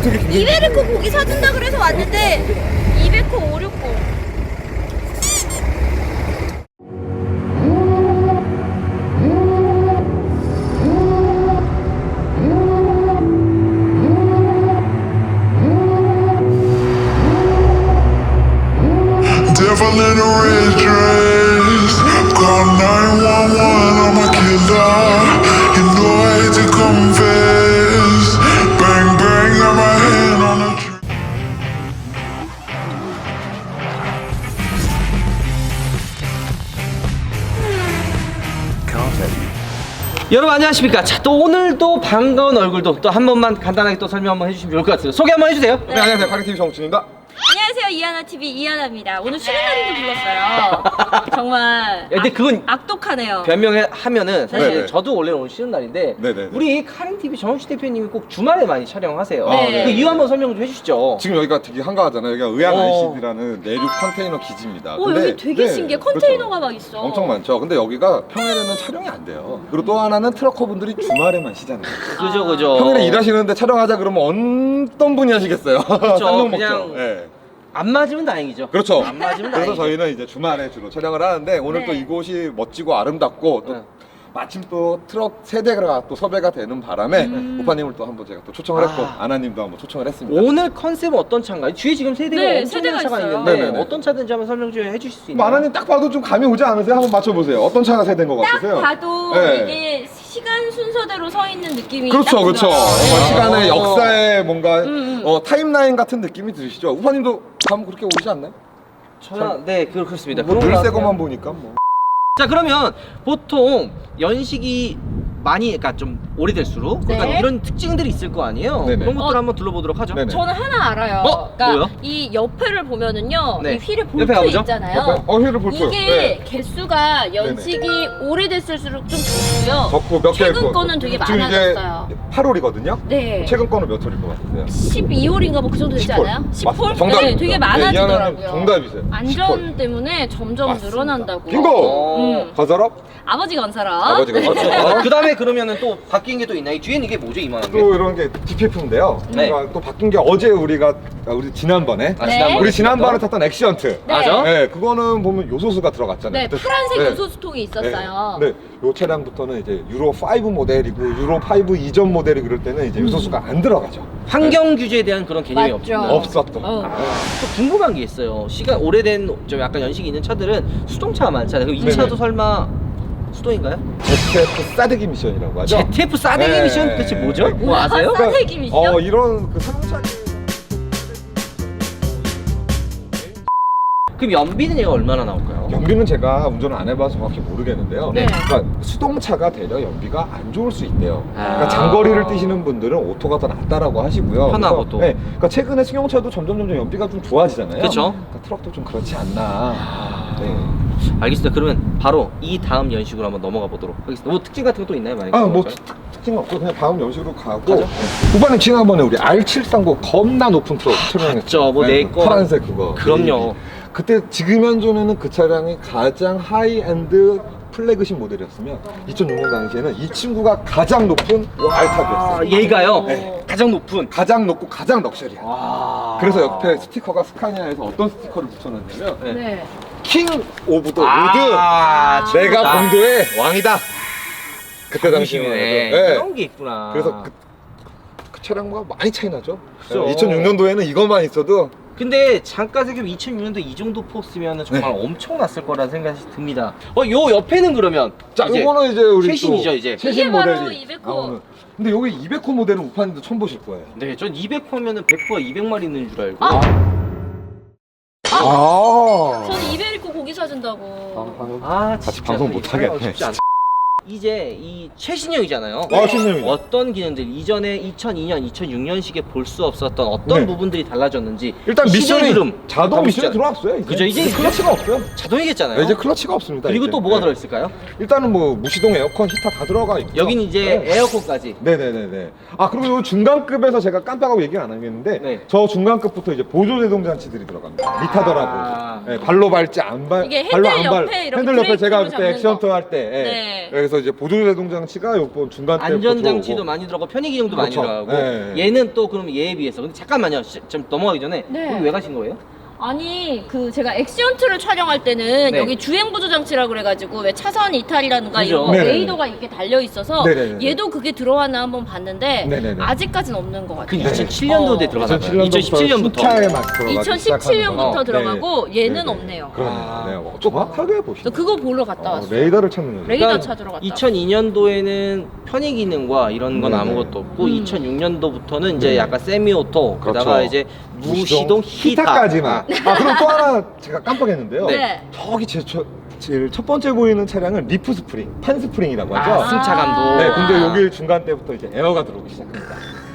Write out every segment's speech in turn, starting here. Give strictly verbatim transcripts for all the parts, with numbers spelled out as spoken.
되게 굉장히 이베리코 고기 사준다 그래서 왔는데 이베코 오백육십. Devil in a red dress. Call nine one one, I'm a killer. You know I hate to confess. Bang bang, got my hand on the trigger. 여러분 안녕하십니까. 자, 또 오늘도 반가운 얼굴도 또 한 번만 간단하게 또 설명 한번 해주시면 좋을 것 같아요. 소개 한번 해주세요. 네, 안녕하세요. 카리티비 정준입니다. 안녕하세요, 이하나티비 이하나입니다. 오늘 쉬는 날인지 불렀어요. 정말 근데 악, 그건 악독하네요. 변명을 하면은 사실 네네. 저도 원래 오늘 쉬는 날인데 네네네. 우리 카린티비 정우씨 대표님이 꼭 주말에 많이 촬영하세요. 네. 그 이유 한번 설명 좀 해주시죠. 지금 여기가 되게 한가하잖아요. 여기가 의안 어. 아이씨디라는 내륙 컨테이너 기지입니다. 오, 여기 되게 신기해. 컨테이너가 막 있어. 엄청 많죠. 근데 여기가 평일에는 촬영이 안 돼요. 그리고 또 하나는 트럭커분들이 주말에만 쉬잖아요. 그죠 그죠. 평일에 일하시는데 촬영하자 그러면 어떤 분이 하시겠어요? 쌍욕 먹죠. 그냥 네. 안 맞으면 다행이죠. 그렇죠. 안 맞으면 그래서 다행이죠. 저희는 이제 주말에 주로 촬영을 하는데 오늘 네. 또 이곳이 멋지고 아름답고 또 네. 마침 또 트럭 세대가 또 섭외가 되는 바람에 음. 오빠님을 또 한번 제가 또 초청을 했고 아. 아나님도 한번 초청을 했습니다. 오늘 컨셉은 어떤 차인가요? 뒤에 지금 세대가 네, 엄청난 세대가 차가 있어요. 있는데 네네네. 어떤 차든지 한번 설명 좀 해주실 수 뭐 있나요? 아나님 딱 봐도 좀 감이 오지 않으세요? 한번 맞춰보세요. 어떤 차가 세대인 것 딱 같으세요? 봐도 네. 이게 시간 순서대로 서 있는 느낌이 그렇죠, 딱 그렇죠. 들어요. 뭔가 네. 시간의 어. 역사의 뭔가 음, 음. 어, 타임라인 같은 느낌이 드시죠? 우파님도 감 그렇게 오시지 않나요? 저는 네 그- 그렇습니다. 뭐 그런 것 늘새 같아요. 것만 보니까 뭐. 자 그러면 보통 연식이 많이 그러니까 좀 오래될수록 네. 약간 이런 특징들이 있을 거 아니에요. 네네. 그런 것들 을 어. 한번 둘러보도록 하죠. 네네. 저는 하나 알아요. 어? 그러니까 뭐요? 이 옆에를 보면은요, 네. 이 휠에 옆에 볼트 가보죠. 있잖아요. 어, 휠을 볼 거예요. 이게 네. 개수가 연식이 오래됐을수록 좀 적고요. 적고 몇 개. 최근 거는 되게 지금 많아졌어요. 이게 팔 홀이거든요. 네. 최근 거는 몇 홀일 것 같으세요? 십이 홀인가 뭐 그 정도 되지 십 홀. 않아요? 십 맞- 홀? 정답입니다. 네, 되게 네, 많아지더라고요. 이하나님 정답이세요. 안전 십 홀. 때문에 점점 맞습니다. 늘어난다고. 빙고! 음. 건설업? 아버지가 온 사람. 아버지가 건설업. 그 다음에 그러면은 또 바뀐 게 또 있나요? 이 뒤에는 이게 뭐죠 이만한 게? 또 이런 게 디피에프인데요. 네. 그러니까 또 바뀐 게 어제 우리가 아, 우리 지난번에 아, 네. 지난번에 우리 지난번에 탔던? 탔던 엑시언트. 네. 맞아? 네, 그거는 보면 요소수가 들어갔잖아요. 네, 그때- 파란색 네. 요소수통이 있었어요. 네, 네. 요 차량부터는 이제 유로 오 모델이고 유로 오 이전 모델이 그럴 때는 이제 요소수가 안 들어가죠. 환경 규제에 대한 그런 개념이 맞죠. 없습니다. 없었던. 어. 아, 또 궁금한 게 있어요. 시간 오래된 좀 약간 연식이 있는 차들은 수동차가 많잖아요. 그럼 이 네네. 차도 설마 수동인가요? 제트에프 싸대기 미션이라고 하죠. 제트에프 싸대기 네. 미션 도대체 뭐죠? 네. 뭐 아세요? 싸- 싸대기 미션? 어, 이런 그 상차. 그럼 연비는 얘가 얼마나 나올까요? 연비는 제가 운전을 안 해봐서 정확히 모르겠는데요. 네. 그러니까 수동차가 되려 연비가 안 좋을 수 있대요. 아. 그러니까 장거리를 뛰시는 분들은 오토가 더 낫다라고 하시고요. 편하고 그래서, 또. 네, 그러니까 최근에 승용차도 점점 점점 연비가 좀 좋아지잖아요. 그쵸. 그러니까 트럭도 좀 그렇지 않나. 네. 알겠습니다. 그러면 바로 이 다음 연식으로 한번 넘어가 보도록 하겠습니다. 뭐 특징 같은 것도 있나요? 만약에 아, 뭐 그럴까요? 특- 특징은 없고 그냥 다음 연식으로 가고. 가죠. 후반에 지난번에 우리 알 칠삼구 겁나 높은 트럭 촬영했죠. 봤죠. 뭐내 거. 파란색 그거. 그럼요. 그때 지금 현존에는 그 차량이 가장 하이엔드 플래그십 모델이었으면 이천육 년 당시에는 이 친구가 가장 높은 아, 알탑이었어요. 얘가요? 네. 가장 높은. 가장 높고 가장 럭셔리한. 와. 그래서 옆에 스티커가 스카니아에서 어떤 스티커를 붙여놨냐면 네. 네. 킹 오브 더 아, 우드. 내가 진짜. 본도의 왕이다. 그때 당시에. 네. 네. 그런 게 있구나. 그래서 그, 그 차량과 많이 차이 나죠. 그죠. 이천육 년도에는 이것만 있어도 근데 잠깐 생각해보면 이천육 년도 이 정도 포스면 정말 네. 엄청났을 거라는 생각이 듭니다. 어, 요 옆에는 그러면 자, 이제 이거는 이제 우리 최신이죠, 또 이제. 최신 이게 바로 모델이 이백 호. 나오는. 근데 여기 이백 호 모델은 우파님도 처음 보실 거예요. 네, 전 이백 호면은 백 호가 이백 마리 있는 줄 알고. 아. 아. 저는 이베리코 고기 사준다고. 아, 같이 진짜 방송 이게 못 하겠네, 쉽지 않- 이제 이 최신형이잖아요. 아, 최신형이죠. 어떤 기능들 이전에 이천이 년, 이천육 년식에 볼 수 없었던 어떤 네. 부분들이 달라졌는지 일단 시절 미션이 흐름 자동 한번 미션이 보시죠. 들어왔어요. 이제. 그죠, 이제 클러치가 없어요. 자동이겠잖아요. 네, 이제 클러치가 없습니다. 그리고 이제. 또 뭐가 네. 들어있을까요? 일단은 뭐 무시동 에어컨 히터 다 들어가 있고. 여기는 이제 네. 에어컨까지. 네네네네. 아, 그리고 요 중간급에서 제가 깜빡하고 얘기를 안 하겠는데 네. 저 중간급부터 이제 보조 제동 장치들이 들어갑니다. 리타더라고. 아. 네, 발로 밟지 안 발. 이게 발로 핸들 안 발. 옆에 이렇게 핸들 옆에 제가 브레이크로 그때 잡는 액션트 거. 할 때. 예. 네. 그래서 그래서 이제 보조제동 장치가 요번 중간 때 안전 장치도 많이 들어가고 편의 기능도 그렇죠. 많이 들어가고 네. 얘는 또 그럼 얘에 비해서 근데 잠깐만요. 시- 좀 넘어가기 전에 네. 여기 왜 가신 거예요? 아니 그 제가 액션트를 촬영할 때는 네. 여기 주행 보조 장치라 그래가지고 왜 차선 이탈이라든가 그죠. 이런 거 네네네. 레이더가 이렇게 달려 있어서 네네네. 얘도 그게 들어왔나 한번 봤는데 네네네. 아직까지는 없는 것 그 같아요. 이천칠 년도에 어. 들어가서 이천칠 년도부터 신차에 막 들어가기 이천십칠 년부터 시작하는 거죠. 들어가고 네. 얘는 네네. 없네요. 그러네요. 아. 네, 뭐 정확하게 보시네. 저 그거 보러 갔다 어, 왔어요. 레이더를 찾는 거죠. 레이더 그러니까 찾으러 갔다. 이천이 년도에는 편의 기능과 이런 건 네네. 아무것도 없고 음. 이천육 년도부터는 이제 네. 약간 세미오토 그렇죠. 그다가 이제 무시동 히타 히타까지만. 아 그럼 또 하나 제가 깜빡했는데요. 네. 저기 제, 저, 제일 첫 번째 보이는 차량은 리프 스프링, 판 스프링이라고 하죠. 아, 승차감도. 네, 근데 여기 중간 때부터 이제 에어가 들어오기 시작합니다.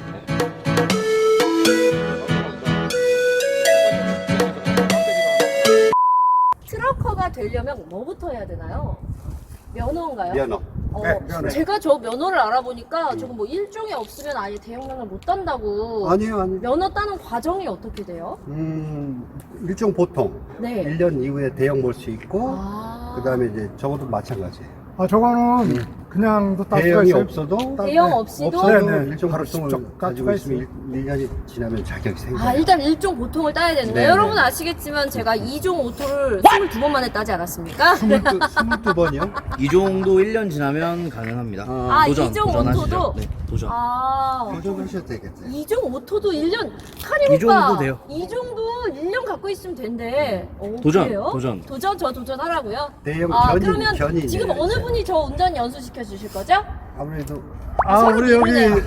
트럭커가 되려면 뭐부터 해야 되나요? 면허인가요? 면허. 어, 네, 면허. 제가 저 면허를 알아보니까 저거 뭐 일종이 없으면 아예 대형면허 못 딴다고. 아니요, 아니요. 면허 따는 과정이 어떻게 돼요? 음, 일종 보통 네. 일 년 이후에 대형 볼 수 있고, 아. 그 다음에 이제 적어도 마찬가지예요. 아, 저거는 그냥도 딸 수가 대형이 있어요. 없어도, 대형 없이도? 없어도 네, 네. 일종 바로 보통을 직접 가지고 깔 있으면 일 년이 지나면 자격이 생겨요. 아, 일단 일종 보통을 따야 되는 거예요. 네, 여러분 네. 아시겠지만 제가 이종 오토를 스물두 번 만에 따지 않았습니까? 스물두 번이요? 이 정도 일 년 지나면 가능합니다. 아, 도전, 이종 도전하시죠. 오토도? 네, 도전. 아. 도전하셔도 되겠어요. 이종 오토도 일 년 카림 이 정도 오빠 돼요. 이 정도 일 년 갖고 있으면 된대. 오, 도전, 그래요? 도전. 도전 저 도전하라고요? 대형 아, 견인, 그러면 견인. 지금 어느 분이 저 운전 연수 시켜 주실 거죠? 아무래도 아, 서로 우리 여기 미루네요.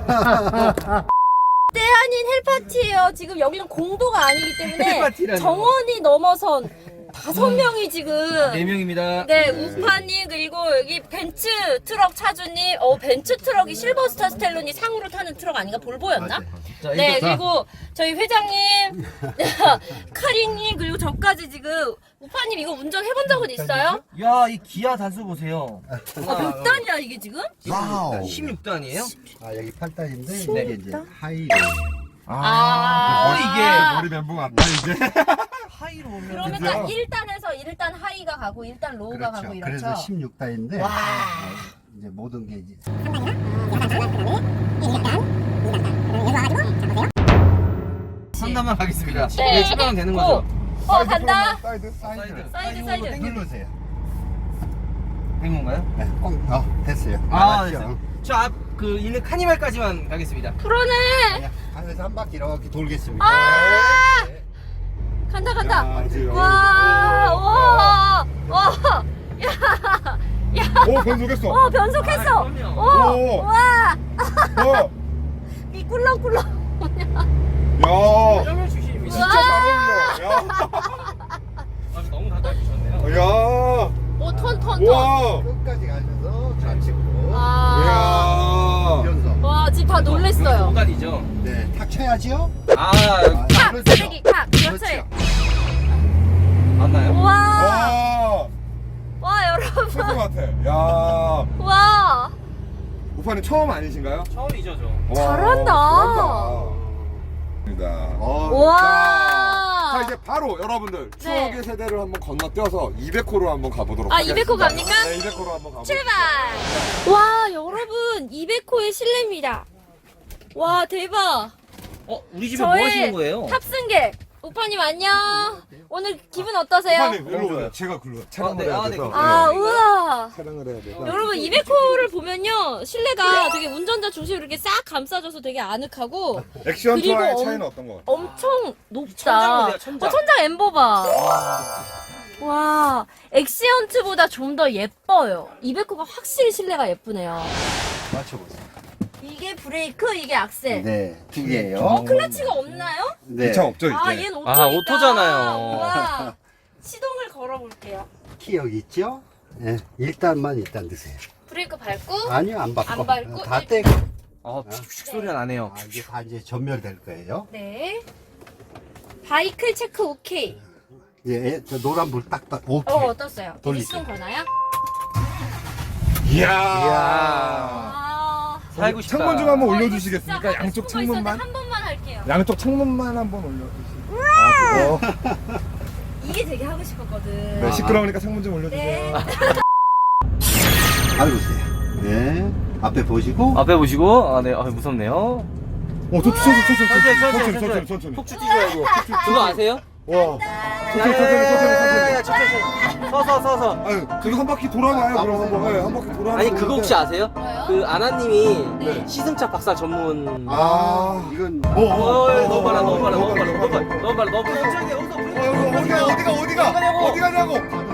때아닌 헬파티예요. 지금 여기는 공도가 아니기 때문에 헬파티라뇨. 정원이 넘어선 다섯 명이 지금 네 명입니다. 네, 우파님 그리고 여기 벤츠 트럭 차주님, 어 벤츠 트럭이 실버스타 스텔론이 상으로 타는 트럭 아닌가 볼보였나? 자, 네, 일단 그리고 저희 회장님, 카리님 그리고 저까지 지금 우파님 이거 운전 해본 적은 있어요? 야, 이 기아 단수 보세요. 아, 몇 단이야 이게 지금? 와우. 십육 단이에요? 아, 여기 팔 단인데, 십육 이게 이제 단? 하이. 아, 이게 머리 멘붕 왔다 이제. 하이로 오면 그러면 딱 일 단에서 일 단 하이가 가고 일 단 로우가 가고 그렇죠. 이렇죠. 그래서 십육 단인데, 와. 이제 모든 게 이제 삼 단만 가겠습니다. 네. 네, 출발하면 되는 거죠? 어, 어 간다. 사이드, 사이드. 사이드 사이드. 누르세요. 된 건가요? 네, 꼭, 어, 됐어요. 아, 알았죠? 됐어요. 저 앞 그 있는 카니발까지만 가겠습니다. 그러네. 하면서 한 바퀴 이렇게 돌겠습니다. 아! 간다 간다. 맞아요. 와, 와, 와, 야, 야, 오 변속했어. 어 변속했어. 아, 그럼요. 오, 오. 와, 어. 이 꿀렁꿀렁. 야. 점을 주십니다. 진짜 잘 어울려. 야. 아, 너무 다 따주셨네요. 야. 오, 턴, 턴, 턴. 와. 끝까지 가셔서 좌측으로 아, 야. 연속. 와, 지금 다 놀랬어요. 공간이죠. 네, 탁 쳐야지요. 아, 탁, 그렇죠. 쓰레기, 탁, 그렇지. 그렇죠. 맞나요? 와, 와. 와, 여러분, 최고 같아. 야. 와, 우파님 처음 아니신가요? 처음이죠, 저. 와, 잘한다. 잘한다. 어, 와. 자 이제 바로 여러분들 추억의 네. 세대를 한번 건너뛰어서 이백 호로 한번 가보도록 아, 하겠습니다. 이백 호 갑니까? 네, 이백 호로 한번 가보겠습니다. 출발! 와, 여러분, 이백 호의 실내입니다. 와, 대박. 어, 우리 집에 뭐 하시는 거예요? 탑승객 우파님 안녕. 오늘 기분 어떠세요? 우파님 일로 오세요. 제가 굴러 촬영을 네, 해야 아, 네, 돼서. 아, 네. 우와. 촬영을 해야 돼서. 여러분 이백 호를 보면요 실내가 되게 운전자 중심으로 이렇게 싹 감싸줘서 되게 아늑하고 액션투와의 그리고 차이는 엄- 어떤 거 같아요? 엄청 높다. 천장 보세요, 천장. 어, 천장 엠버 봐. 와, 엑시언트보다 좀 더 예뻐요. 이백 호가 확실히 실내가 예쁘네요. 맞춰보세요. 이게 브레이크, 이게 악셀. 네, 두 개예요. 어, 클러치가 없나요? 네, 이 차 없죠 이제? 아, 얘는 오토니까. 아, 오토잖아요. 와, 시동을 걸어볼게요. 키 여기 있죠? 네, 일단만 일단 드세요. 브레이크 밟고. 아니요, 안 밟고. 안 밟고 다 일- 떼고. 아, 픽픽 소리가 나네요. 아, 이게 다 이제 전멸될 거예요. 네. 바이클 체크 오케이. 예, 저 노란 불 딱, 딱, 오케이. 어, 어떻어요? 돌리세요. 시동 거나요? 이야. 아. 살고 싶다. 창문 좀 한번 어, 이거 올려주시겠습니까? 진짜 양쪽 갖고 싶은 거 창문만? 있었는데 한 번만 할게요. 양쪽 창문만 한번 올려주시고. 아, 그거? 이게 되게 하고 싶었거든. 네, 시끄러우니까 창문 좀 올려주세요. 네. 밟으세요. 네. 앞에 보시고. 앞에 보시고. 아, 네. 아, 무섭네요. 어, 저 천천히, 천천히, 천천히, 천천히, 천천히, 천천히. 천천히. 폭 주지 말고. 그거 아세요? 와, 천천히, 천천히, 천천히, 천천히. 천천히. 서서, 서서. 아니, 그거 한 바퀴 돌아가요, 그럼. 네, 한 바퀴 돌아가는 아니, 그거 혹시 아세요? 뭐요? 그 아나님이 네. 시승차 박사 전문. 아, 이건 어, 어, 어, 너무 빨라, 어, 너무 빨라, 어, 너무 빨라, 어, 너무 빨라, 너무 빨라, 너무 빨라. 천천히 여기서 어, 어디가, 어디가, 어디가, 가냐고? 어디 가냐고?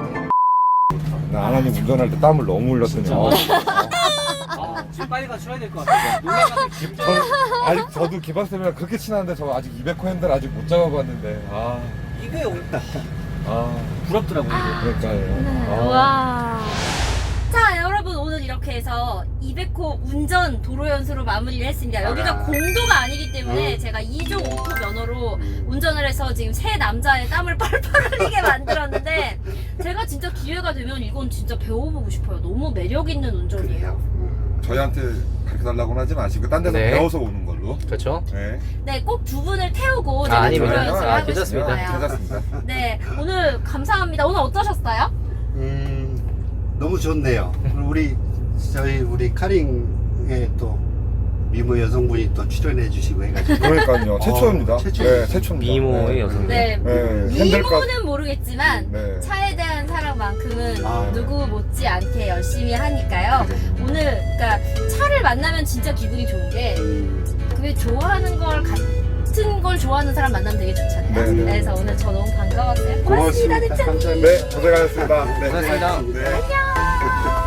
나 아나님 운전할 때 땀을 너무 흘렸더니. 어. 아, 지금 빨리 가서 쉬어야 될 것 같아요. 놀래가지고 진짜. 저는 아직 저도 기박쌤이랑 그렇게 친한데 저 아직 이백 호 핸들 아직 못 잡아봤는데. 아, 이게 아, 부럽더라고요. 이게. 그러니까요. 네, 아. 와. 자, 여러분 오늘 이렇게 해서 이백 호 운전 도로 연수로 마무리를 했습니다. 여기가 공도가 아니기 때문에 제가 이 종 오토 면허로 운전을 해서 지금 세 남자의 땀을 뻘뻘 흘리게 만들었는데 제가 진짜 기회가 되면 이건 진짜 배워보고 싶어요. 너무 매력 있는 운전이에요. 저희한테 가르쳐달라고는 하지 마시고 딴 데서 네. 배워서 오는 걸로. 그렇죠. 네. 네, 꼭 두 분을 태우고 아, 제가 아닙니다. 도로 연수를 아, 하고 괜찮습니다. 싶어요. 괜찮습니다. 네, 오늘 감사합니다. 오늘 어떠셨어요? 음, 너무 좋네요. 그리고 우리 저희 우리 카링에 또 미모 여성분이 또 출연해 주시고 해가지고. 그러니까요. 최초입니다. 어, 최초. 네, 최초입니다. 미모의 네. 여성. 네, 네, 핸들값. 미모는 모르겠지만 네. 차에 대한 사랑만큼은 아, 누구 못지않게 열심히 하니까요. 오늘 그러니까 차를 만나면 진짜 기분이 좋은 게 그게 좋아하는 걸 같은 걸 좋아하는 사람 만나면 되게 좋잖아요. 네, 네. 그래서 오늘 저 너무 반가웠어요. 고맙습니다, 고맙습니다. 대장님. 감사합니다. 네, 고생하셨습니다. 네. 고생하셨습니다. 네.